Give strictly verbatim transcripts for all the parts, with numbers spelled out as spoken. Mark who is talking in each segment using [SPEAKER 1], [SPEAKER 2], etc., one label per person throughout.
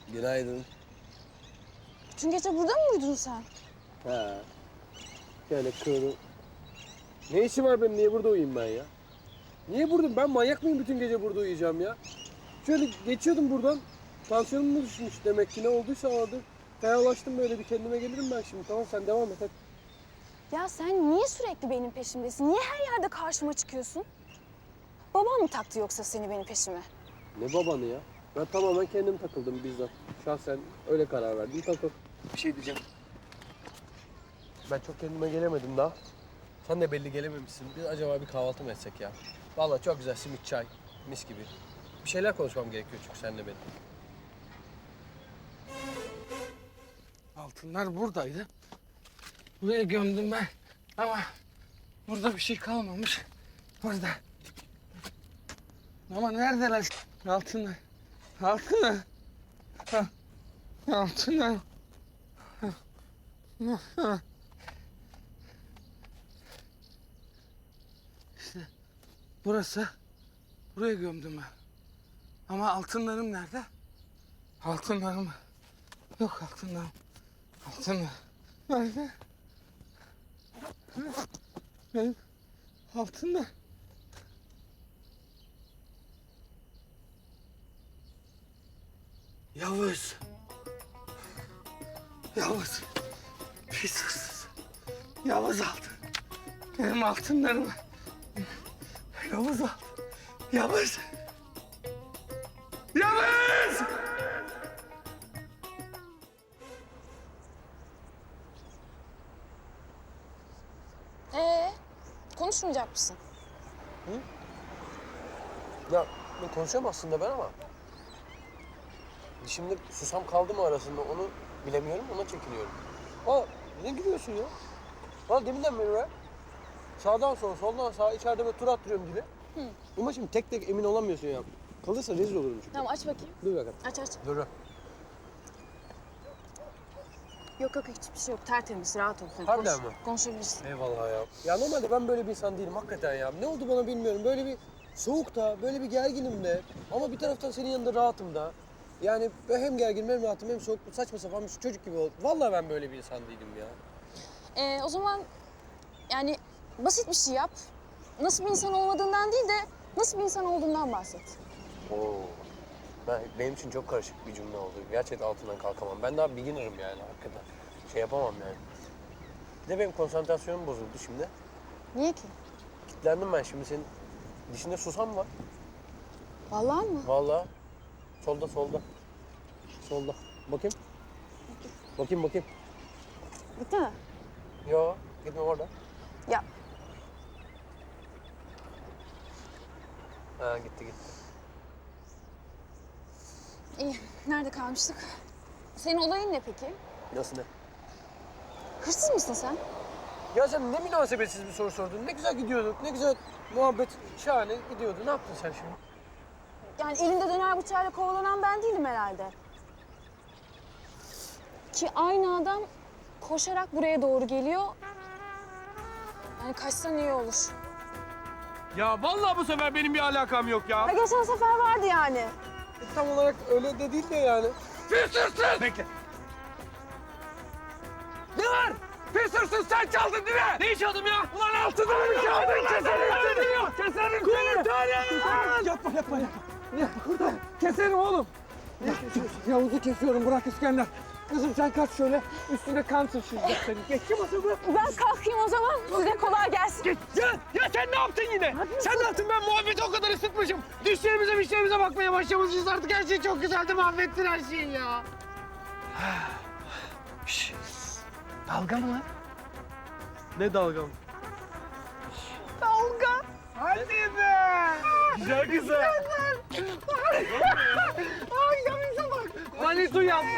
[SPEAKER 1] Günaydın.
[SPEAKER 2] Bütün gece burada mı uyudun sen?
[SPEAKER 1] Ha. Şöyle kığırım. Ne işim var benim? Niye burada uyuyayım ben ya? Niye burada? Ben manyak mıyım bütün gece burada uyuyacağım ya? Şöyle geçiyordum buradan. Tansiyonum mu düşmüş demek ki ne olduysa vardı. Fenalaştım böyle bir kendime gelirim ben şimdi. Tamam sen devam et hadi.
[SPEAKER 2] Ya sen niye sürekli benim peşimdesin? Niye her yerde karşıma çıkıyorsun? Baban mı taktı yoksa seni benim peşime?
[SPEAKER 1] Ne babanı ya? Ben tamamen kendim takıldım bizzat. Şahsen öyle karar verdim. Takıl. Bir şey diyeceğim. Ben çok kendime gelemedim daha. Sen de belli gelememişsin. Biz acaba bir kahvaltı mı etsek ya? Vallahi çok güzel simit çay. Mis gibi. Bir şeyler konuşmam gerekiyor çünkü seninle benim.
[SPEAKER 3] Altınlar buradaydı. Buraya gömdüm ben. Ama burada bir şey kalmamış. Burada. Ama neredeler altınlar? Altınlar. Ha, altınlar. Ha, ha. İşte burası. Buraya gömdüm ben. Ama altınlarım nerede? Altınlarım. Yok altınlarım. Altınlar. Nerede? Benim altınlar. Yavuz. Yavuz. Pis hırsız. Yavuz aldı. Benim altınlarımı. Yavuz aldı. Yavuz. Yavuz!
[SPEAKER 2] Ee, konuşmayacak mısın?
[SPEAKER 1] Ya ben konuşuyorum aslında ben ama... Şimdi susam kaldı mı arasında onu bilemiyorum, ona çekiniyorum. Aa, ne gülüyorsun ya? Valla deminden beri be. Sağdan sola, soldan sağa içeride böyle tur attırıyorum gibi.
[SPEAKER 2] Hı.
[SPEAKER 1] Ama şimdi tek tek emin olamıyorsun ya. Kalırsa rezil olurum çünkü.
[SPEAKER 2] Tamam aç bakayım.
[SPEAKER 1] Dur bakalım.
[SPEAKER 2] Aç aç.
[SPEAKER 1] Dur.
[SPEAKER 2] Yok yok hiçbir şey yok. Tertemiz, rahat ol. Sen
[SPEAKER 1] Harbiden
[SPEAKER 2] konuş-
[SPEAKER 1] mi?
[SPEAKER 2] Konuşabilirsin.
[SPEAKER 1] Eyvallah ya. Ya normalde ben böyle bir insan değilim hakikaten ya. Ne oldu bana bilmiyorum. Böyle bir soğukta, böyle bir gerginim de. Ama bir taraftan senin yanında rahatım da. Yani ben hem gerginim hem rahatım hem soğuk. Saçma sapan bir çocuk gibi oldu. Vallahi ben böyle bir insan değilim ya.
[SPEAKER 2] Ee, o zaman yani basit bir şey yap. Nasıl bir insan olmadığından değil de nasıl bir insan olduğundan bahset.
[SPEAKER 1] Oo. Ben, benim için çok karışık bir cümle oldu. Gerçekten altından kalkamam. Ben daha beginner'ım yani hakikaten. Şey yapamam yani. Bir de benim konsantrasyonum bozuldu şimdi.
[SPEAKER 2] Niye ki?
[SPEAKER 1] Kitlendim ben şimdi. Senin dişinde susam var.
[SPEAKER 2] Vallahi mı?
[SPEAKER 1] Vallahi. Solda, solda. Solda. Bakayım. Bakayım, bakayım.
[SPEAKER 2] Gitti mi?
[SPEAKER 1] Yo, gitme orada.
[SPEAKER 2] Ya
[SPEAKER 1] Ha, gitti, gitti.
[SPEAKER 2] iyi. Nerede kalmıştık? Senin olayın ne peki?
[SPEAKER 1] Nasıl ne?
[SPEAKER 2] Hırsız mısın sen?
[SPEAKER 1] Ya sen ne münasebetsiz bir soru sordun. Ne güzel gidiyorduk, ne güzel muhabbet şahane gidiyordu. Ne yaptın sen şimdi?
[SPEAKER 2] Yani elinde döner bıçağıyla kovalanan ben değilim herhalde. Ki aynı adam koşarak buraya doğru geliyor. Yani kaçsan iyi olur.
[SPEAKER 4] Ya vallahi bu sefer benim bir alakam yok ya.
[SPEAKER 2] Ha, geçen sefer vardı yani.
[SPEAKER 1] E, tam olarak öyle de değil de yani.
[SPEAKER 4] Pis hırsız! Bekle. Ne var? Pis hırsız sen çaldın değil mi? Neyi çaldım ya? Ulan altını mı çaldın? Keserim seni! Keserim seni! Kurtarın!
[SPEAKER 3] Yapma yapma yapma. Yapma kurtar. Keserim oğlum. Yavuz'u kesiyorum bırak İskender. Kızım sen kaç şöyle üstüne kan sıçrayacak senin. Geçti masada.
[SPEAKER 2] Ben kalkayım o zaman. Size kolay gelsin.
[SPEAKER 4] Geç. Ya, ya sen ne yaptın yine? Sen ne yaptın? Ben muhabbeti o kadar ısıtmışım. Düşlerimize müşterimize bakmaya başlamışız artık. Her şey çok güzeldi. Mahvettin her şeyi ya. Şş. Dalga mı lan?
[SPEAKER 1] Ne dalgam?
[SPEAKER 2] Dalga.
[SPEAKER 4] Hadi be! Güzel güzel.
[SPEAKER 3] Ay yanınıza bak.
[SPEAKER 4] Manitu yaptı.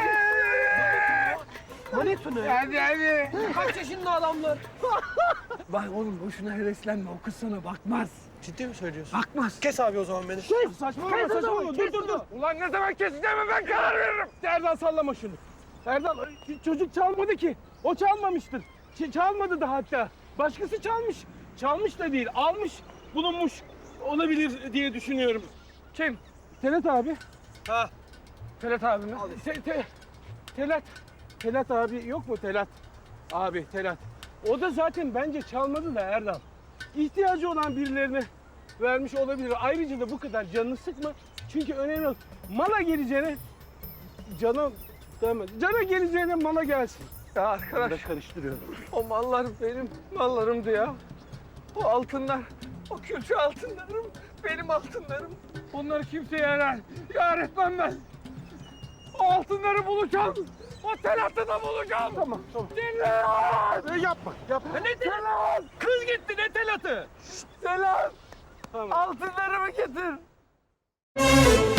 [SPEAKER 1] Manitu ne?
[SPEAKER 3] Hadi hadi.
[SPEAKER 1] Kaç yaşında adamlar?
[SPEAKER 3] Bak oğlum boşuna heveslenme o kız sana bakmaz.
[SPEAKER 1] Ciddi mi söylüyorsun?
[SPEAKER 3] Bakmaz.
[SPEAKER 1] Kes abi o zaman beni.
[SPEAKER 3] Saçmalama saçmalama. Dur dur dur.
[SPEAKER 4] Ulan ne zaman keseceğime ben karar veririm.
[SPEAKER 3] Erdal sallama şunu. Erdal çocuk çalmadı ki. O çalmamıştır. Ç- çalmadı da hatta. Başkası çalmış. Çalmış da değil. Almış, bulunmuş olabilir diye düşünüyorum. Kim? Senet abi.
[SPEAKER 1] Ha.
[SPEAKER 3] Telat abim. Te, te, telat. Telat abi yok mu Telat? Abi Telat. O da zaten bence çalmadı da Erdal. İhtiyacı olan birilerine vermiş olabilir. Ayrıca da bu kadar canını sıkma. Çünkü önemli olan mala geleceğine cana demez. Cana geleceğine mala gelsin. Ya arkadaş karıştırıyorum. O mallar benim mallarımdı ya. O altınlar, o külçe altınlarım benim altınlarım. Onları kimseye yarar, yar etmem ben. O altınları bulacağım. O Telat'ı da bulacağım. Tamam, tamam. Telat! Yapma, yapma. Ne Telat? Kız gitti, ne Telat'ı? Telat! Tamam. Altınlarımı getir.